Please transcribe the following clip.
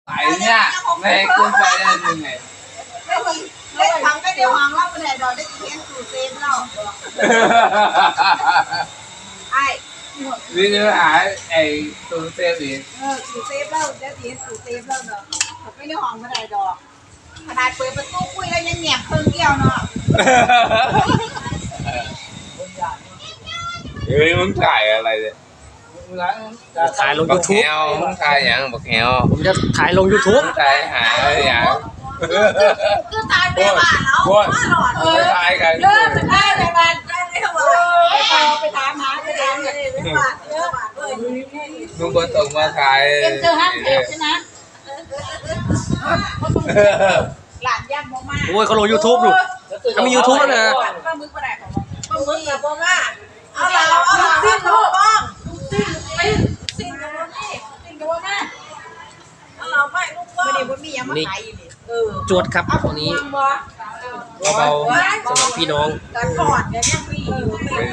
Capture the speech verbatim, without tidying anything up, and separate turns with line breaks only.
phải nha mẹ cũng phải là như này
lên thằng cái điều hoàng lắm bên này rồi đấy chị chủ tiền đâu ai
vì như hải ấy tôi xem gì
ờ chủ tiền đâu đấy chị chủ tiền đâu nữa cái điều hoàng bên này rồiขนาดเปิดประตูคุยแล้วยังแหนบเครื่องเกี่ยวเนาะ
เฮ้ยมึงถ่ายอะไรเนี่ย
ถ่ายลง
บัก
YouTube
แฮวมึงถ่ายอย่างบักแฮว
ผมจะถ่ายลง YouTube
มึงถ่ายหาอะไรอย่าง
คือตายไปบ้านแล้วมาหลอด
ไม่ถ่ายกัน
เลิกไปได้ไปบ้านได้ไม่ทำอะไรไปพอไปถามหาไปถามกันไปบ้านเยอะบ้านเลย
มึงคนส่งมาถ่าย
เอ็มเจอห้างเทปใช่ไหมหลานย่างมาก
โอ้ยเขาลง YouTube ดูเขามี YouTube แล้วนะ
ปลาหมึกปลาไหนของปลาหมึกกับปลาม่าเอาเราเอาเราสิ้นลูกบ้องสิ้นสิ้นสิ้นกับปลานี่สิ้นกับปลาม่าเอาเราไม่ลูกบ้องไม่ได้ว่ามียังมาขายอยู่นี่เออ
จวดครับวันนี้เบาๆสำหรับพี่น้อง
การถอดเนี่ยยังมีอยู่